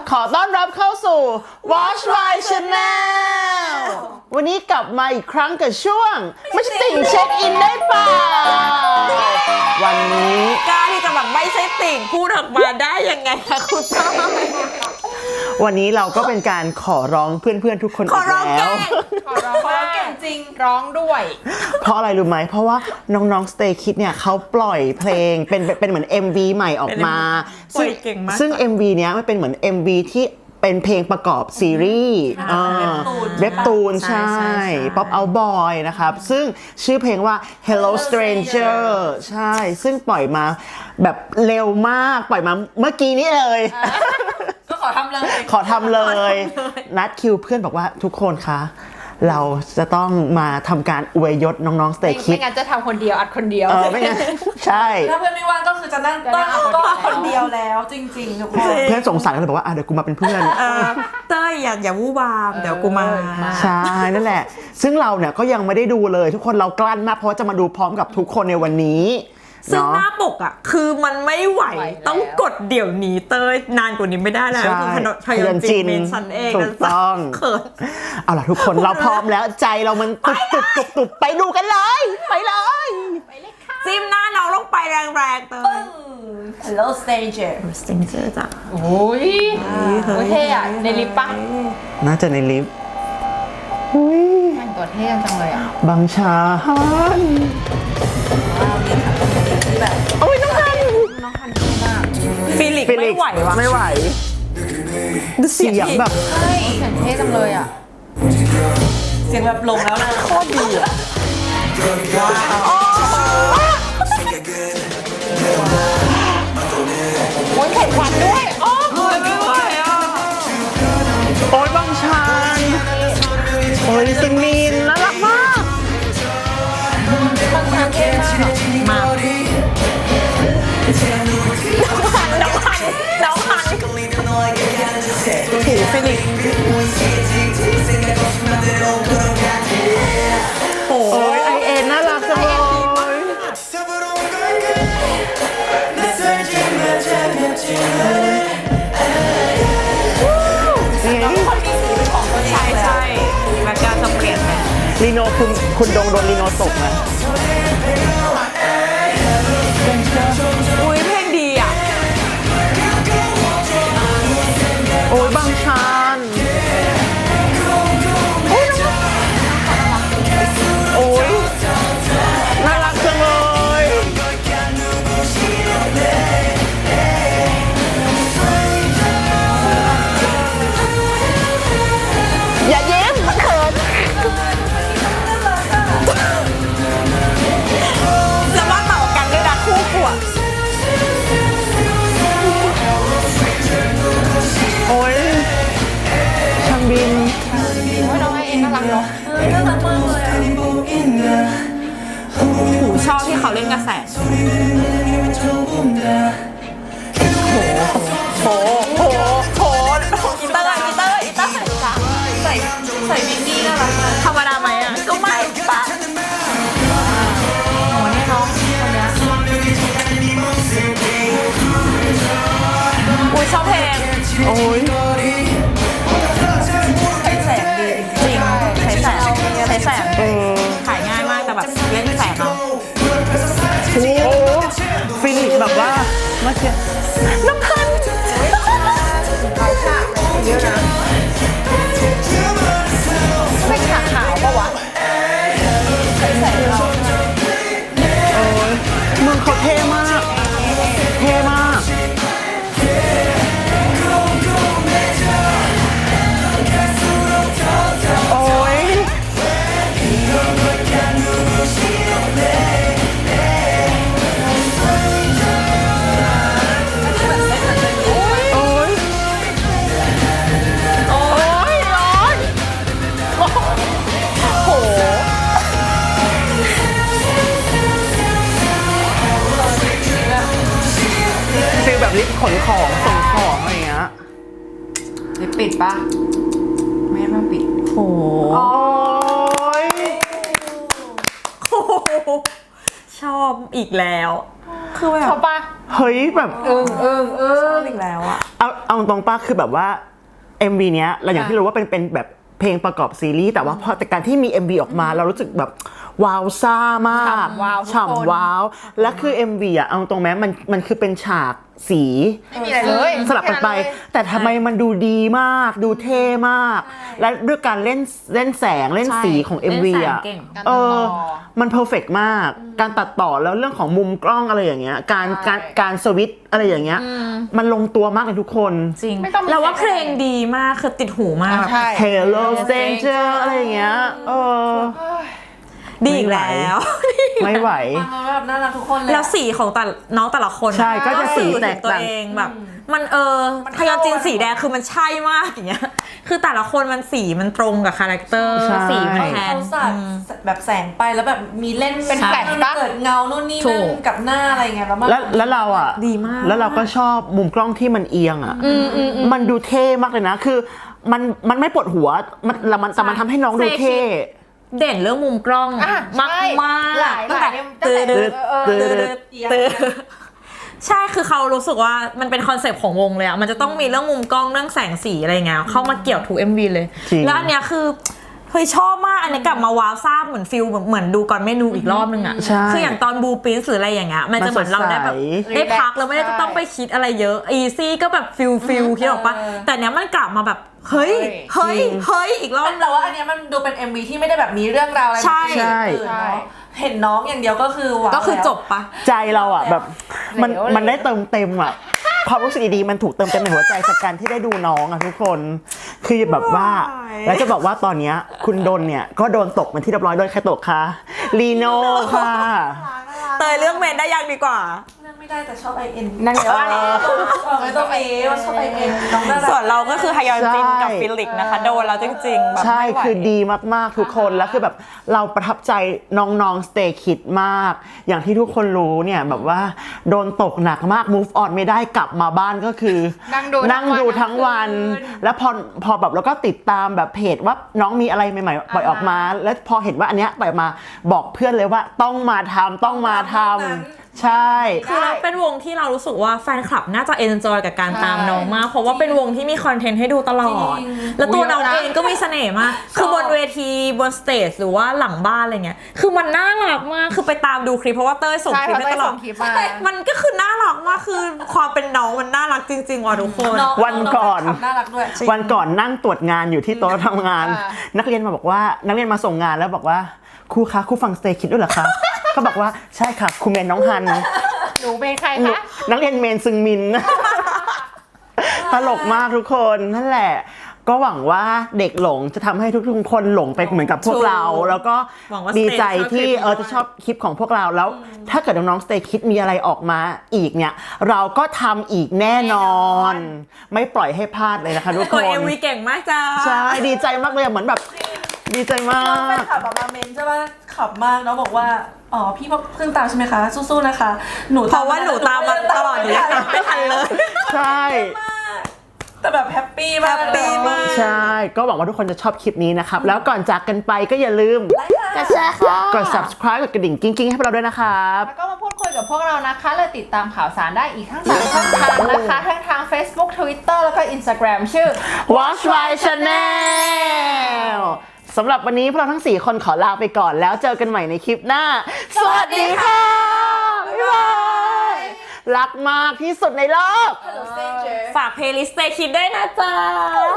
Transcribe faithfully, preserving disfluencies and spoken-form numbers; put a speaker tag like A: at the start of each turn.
A: ขอต้อนรับเข้าสู่ Watch My Channel วันนี้กลับมาอีกครั้งกับช่วงไม่ใช่ติ่งเช็คอินได้เปล่าวันนี้
B: กล้าที่จะแบบไม่ใช่ติ่งพูดออกมาได้ยังไงคะคุณต้อ
A: วันนี้เราก็เป็นการขอร้องเพื่อนๆทุกคนอีกแล้ว
C: ขอร้องขอร้องเก่งจริงร้องด้วย
A: เพราะอะไรรู้ไหมเพราะว่าน้องๆ Stay Kids เนี่ยเขาปล่อยเพลงเป็นเป็นเหมือน เอ็ม วี ใหม่ออกมาซึ่งซึ่ง เอ็ม วี เนี้ยมันเป็นเหมือน เอ็ม วี ที่เป็นเพลงประกอบซีรีส์เว็บตูนใช่ Pop Out Boy นะครับซึ่งชื่อเพลงว่า Hello Stranger ใช่ซึ่งปล่อยมาแบบเร็วมากปล่อยมาเมื่อกี้นี้เลย
C: ก็ขอทำเลย
A: ขอทำเลยนัดคิวเพื่อนบอกว่าทุกคนคะเราจะต้องมาทำการอวยยศน้องๆ Stay Kids
C: ไม่งั้นจะทำคนเดียวอัดคนเดียว
A: เออไม่งั้นใช่
D: ถ้าเพื่อนไม่ว่างก็คือจะนั่งต้นก็คนเดียวแล้วจริงๆทุกคน
A: เพื่อนสงสารก็เลยบอกว่าอ่ะเดี๋ยวกูมาเป็นเพื่อน
B: เต้ยอย่าอย่าวู่วามเดี๋ยวกูมา
A: ใช่นั่นแหละซึ่งเราเนี่ยก็ยังไม่ได้ดูเลยทุกคนเรากลั้นมากเพราะจะมาดูพร้อมกับทุกคนในวันนี้
B: ซึ่งหน้าปกอ่ะคือมันไม่ไหวต้องกดเดี๋ยวนี้เต้ยนานกว่านี้ไม่ได้แล้วคือพยอนจินฉันเอง
A: ถูกต้องเขินเอาล่ะทุกคนเราพร้อมแล้วใจเรามันตุบตุบตุบตุบไปดูกันเลยไปเลย
B: จิ้มหน้าน้องลงไปแรงๆเต้ย
D: Hello Stranger
B: Stranger จ้ะ
C: โอ้ยโอ้ยเท่อะในลิฟต์ปะ
A: น่าจะในลิฟต์
C: แต่งตัวเท่จังเลยอ่ะ
A: บางชาฮันโอ้ยน้องฮัน
C: น้องฮันดีมาก
B: ฟิลิกไม่ไหววะ
A: ไม่ไหวเสียงแบบ
C: เฮ้ยเสียงเท่จังเลยอ่ะ
D: เสียงแบบลงแล้วนะ
A: โคตรดีอ่ะ
C: โอ้ยแข่งขันด้วยโอ้ยไม่ไหวอ่ะ
A: โอ้ยบางชาโอ้ยซึงมีนน่ารักมาก
C: บางชาเท่มาก
B: มาน้องหันน้องหันน้องหันถูฟิลิก
A: โอ้ยไอเอ็นน่ารักจังเลย
B: ใช่ใช่แม็กกาจะเปลี่ยนไหม
A: ลีโนคุณคุณดงโดนลีโนตกนะ
B: อุ้ยเพลงดีอ่ะ
A: โอ้ยบางชานโอ้ยน่ารักจังเลยอย่าเย้มมันเขิน
B: แล้วว่าเหมากันด้วยนะคู่ขวบ
A: โอ้ยช่างบิน
C: โอ้ยน้องไอเอ็นน่ารักเนาะ
D: น่ารักมากเลย
B: หูชอบที่เขาเล่นกระแสโหโหโหโหอีเตอร์อีเตอร์อีเตอร์จ้ะ
D: ใส่ใส่บิกินี่น่ารักมาก
B: ธรรมดาไหมอ่ะก็ไม่ปะ
C: โอ้นี่น้องคนนี้
B: อุ้ยชอบเพลง
A: โอ้ย
D: ใช้แสงดี
B: จริงใช้แสงใช้แสง
A: เออ
B: ถ่ายง่ายมากแต่แบบเล่นแสงเอา
A: โอ้ฟิลิปแบบว่าเมื่อกี้น้ำพัน
C: เขาฉากเยอะนะไม่ฉากขาวปะวะใส่แสงเรา
A: โอ้ยมึงเขาเท่มากเท่มากโอ้ยโอ้ยโอ้ยร้อนโอ้โหฟีลแบบลิฟต์ขนของส่งของอะไรเงี้ย
C: ลิปปิดปะไม่ต้องปิด
B: โห
A: โอ้ย
B: ชอบอีกแล้วคือแบบ
C: ชอบปะ
A: เฮ้ยแบบ
C: เออเออเออ
B: อีกแล้วอะ
A: เอาเอาเอาตรงป้าคือแบบว่า เอ็ม วี เนี้ยเราอย่างที่รู้ว่าเป็นเป็นแบบเพลงประกอบซีรีส์แต่ว่าพอแต่การที่มี เอ็ม วี ออกมาเรารู้สึกแบบว้าวซ่ามาก
C: ฉ่ำว้าวทุกคน
A: ฉ่ำว้าวและคือ เอ็ม วี อ่ะเอาตรงแม้มันมันคือเป็นฉากสี
C: ไม่มีอะไรเลย
A: สลับกันไป แต่ทำไมมันดูดีมากดูเท่มาก และด้วยการเล่นเล่นแสงเล่นสีของ เอ็ม วี
B: เล่นแสง
A: อ่ะ
B: เก่ง
C: การ
A: เอ
C: ตัด
A: อ
C: ต่อ
A: มันเพอร์เฟกต์มาก การตัดต่อแล้วเรื่องของมุมกล้องอะไรอย่างเงี้ยการ
C: ใช่
A: การการสวิตช์อะไรอย่างเงี้ยมันลงตัวมากเลยทุกคน
B: จริง
C: ไม่ต้องมี
B: แล้วว่า
C: เซ็
B: เพ
C: ต
B: ลงดีมากคือติดหูมาก
C: ใช่
A: Hello Stranger อะไรอย่างเงี้ยเออ
B: ดีอีกแล้ว
A: ไม่ไหว
D: ฟังแล้วแบบน่ารักทุกคนเลย
B: แล้วสีของแต่น้องแต่ละคน
A: ใช่ก็จะสีแตก
B: ตัว
A: ต่าง
B: เองแบบ มันเออพยอนจีนสีแดงคือมันใช่มากอย่างเงี้ยคือแต่ละคนมันสีมันตรงกับคาแรคเตอร์
A: ใช่
B: สีมันแทน
D: เขาสาดแบบแสงไปแล้วแบบมีเล่น
C: เป็นแฟลชปะ
D: เกิดเงานู่นนี่
B: ถู
D: นั่น
B: ก
D: กับหน้าอะไรเงี้ยแล้วมัน
A: แล้วแล้วเราอ่ะ
B: ดีมาก
A: แล้วเราก็ชอบมุมกล้องที่มันเอียงอ่ะมันดูเท่มากเลยนะ คือมันมันไม่ปวดหัวมันแล้วมันแต่มันทำให้น้องดูเท่
B: เด่นเรื่องมุมกล้อง
C: อ่ะ
B: มาก
C: ใช่
B: มาก
C: หลายหลาย
B: ตื้อ
C: ตั้งแต่
B: ตื้อ
C: เออ
B: ตื้อตื้อใช่คือเขารู้สึกว่ามันเป็นคอนเซปต์ของวงเลยอะมันจะต้องมีเรื่องมุมกล้องเรื่องแสงสีอะไรเงี้ยเข้ามาเกี่ยวถูก เอ็ม วี เลย
A: จริง
B: แล้วอันเนี้ยคือเฮ้ยชอบมากอันนี้กลับมาว้าวซ่าเหมือนฟิลเหมือนดูก่อนเมนูอีกรอบนึงอะ
A: ใช่
B: คืออย่างตอนบูปินหรืออะไรอย่างเงี้ยมันจะเหมือนเราได้แบบ
A: มันสดใส
B: ได้พักแล้วไม่ได้ต้องไปคิดอะไรเยอะอีซี่ก็แบบฟิลฟิลคิดออกปะแต่เนี้ยมันกลับมาแบบเฮ้ยเฮ้ยเฮ้ยอีกรอบ
D: แต่ว่าอันเนี้ยมันดูเป็น เอ็ม วี ที่ไม่ได้แบบมีเรื่องราวอะไร
B: ใช่
D: แบบอื่นเนอะเห็นน้องอย่างเดียวก็คือว้าว
B: ก็คือ
D: แล้ว
B: จบปะ
A: ใจเราอ่ะแบบมัน
C: เหลวเลย
A: มันได้เติมเต็มอ่ะความรู้สึกดีๆมันถูกเติมเต็มในหัวใจจากการที่ได้ดูน้องอ่ะทุกคนคือแบบว่าแล้วจะบอกว่าตอนเนี้ยคุณดนเนี่ยก็โดนตกเป็นที่เรียบร้อยโดยใครตกคะลีโน่ค่ะ
B: เตยเรื่องเมนได้ยังดีกว่า
D: เลือกไม่ได้แต่ชอบไอเอ็น
C: นั่นไงว่า
D: ชอบไม่ต้องเอว่าชอบไอเอ็นน้องน่ารัก
B: ส่วนเราก็คือฮยอนจินกับ
A: ใช่
B: ฟิลิกนะคะโดนแล้วจริงๆแบบ
A: ใช่
B: ไม่ไหว
A: คือดีมากๆทุกคนแล้วคือแบบเราประทับใจน้องๆ Stay Kids มาก อย่างที่ทุกคนรู้เนี่ยแบบว่าโดนตกหนักมาก move on ไม่ได้กลับมาบ้านก็คือ
C: นั่งดู
A: นั่งดูทั้งวัน
C: ทั้งคืน
A: แล้วพอพอแบบเราก็ติดตามแบบเพจว่าน้องมีอะไรใหม่ๆปล่อยออกมา แล้วพอเห็นว่าอันเนี้ยปล่อยออกมาบอกเพื่อนเลยว่าต้องมาทำต้องมาทำใช่
B: คือเราเป็นวงที่เรารู้สึกว่าแฟนคลับน่าจะเอนจอยกับการตามน้องมาก เพราะว่าเป็นวงที่มีคอนเทนต์ให้ดูตลอด
D: จริง
B: แล้วตัว
C: อุ๊ย
B: น้อง
C: เยอะนะ
B: เองก็มีเสน่ห์มาก คือบนเวทีบนสเตจหรือว่าหลังบ้านอะไรเงี้ย คือมันน่ารักมาก คือไปตามดูคลิปเพราะว่าเต้ยส่ง
C: ใช่
B: คลิป
C: เพราะ
B: ให้ตลอด
C: เต้ยส่งคลิปมา
B: ใช่มันก็คือน่ารักมาก คือความเป็นน้องมันน่ารักจริงๆว่ะทุกคน
D: น้อง
A: วันก่อน
D: งแฟคลับน่ารักด้วย
A: วันก่อนนั่งตรวจงานอยู่ที่โต๊ะทำงาน
C: อ่า
A: นักเรียนมาบอกว่านักเรียนมาส่งงานแล้วบอกว่าครูคะครูฟัง Stay Kids ด้วยเหรอคะ ก็บอกว่าใช่ค่ะครูเมนน้องฮัน
C: หนูเป็นใคร
A: หนู
C: คะ
A: นักเรียนเมนซึงมิน ตลกมากทุกคนนั่นแหละ ก็หวังว่าเด็กหลงจะทำให้ทุกๆคนหลงไปเหมือนกับพวกเรา
B: ถูก
A: แล้วก็
B: หวังว่า
A: ดีใจ
B: Stay
A: ที่
B: ชอบคลิป
A: เออจะชอบคลิปของพวกเราแล้ว ถ้าเกิดน้องๆ Stay Kids มีอะไรออกมาอีกเนี่ย เราก็ทำอีกแน่นอน ไม่ปล่อยให้พลาดเลยนะคะทุก
B: ก
A: ค
B: ด
A: น
B: เอ็มวีเก่งมากจ้า
A: ใช่ดีใจมากเลยอะเหมือนแบบดีใจมา
D: น้องแฟน
A: ก
D: คลับแบบมาเมนใช่ป่ะขับมากน้องบอกว่า อ๋อพี่เพิ่งตามใช่ไหมคะ สู้ๆนะคะ หนู
B: เพราะว่าหนูตามมาตลอดหนูยังตามไม่ทันเลย
A: ใช่
D: แต่แบบแฮปปี้มาก
B: แฮปปี้มาก
A: ใช่ ก็หวังว่าทุกคนจะชอบคลิปนี้นะครับ แล้วก่อนจากกันไปก็อย่าลืม
C: กระแชร์ค่ะ
A: กด subscribe กดกระดิ่งกิ้งๆ ให้พวกเราด้วยนะครับ
C: แล้วก็มาพูดคุยกับพวกเรานะคะและติดตามข่าวสารได้อีกทั้งสามช่องทางนะคะ ทั้งทาง Facebook Twitter แล้วก็ Instagram ชื่อ
A: Watch My Channel สำหรับวันนี้พวกเราทั้งสี่คนขอลาไปก่อนแล้วเจอกันใหม่ในคลิปหน้า สวัสดีค่ะ บ๊ายบาย รักมากที่สุดในโลก
C: Hello Stranger
B: ฝากเพลย์ลิสต์ Stay Kids ด้วยนะจ๊ะ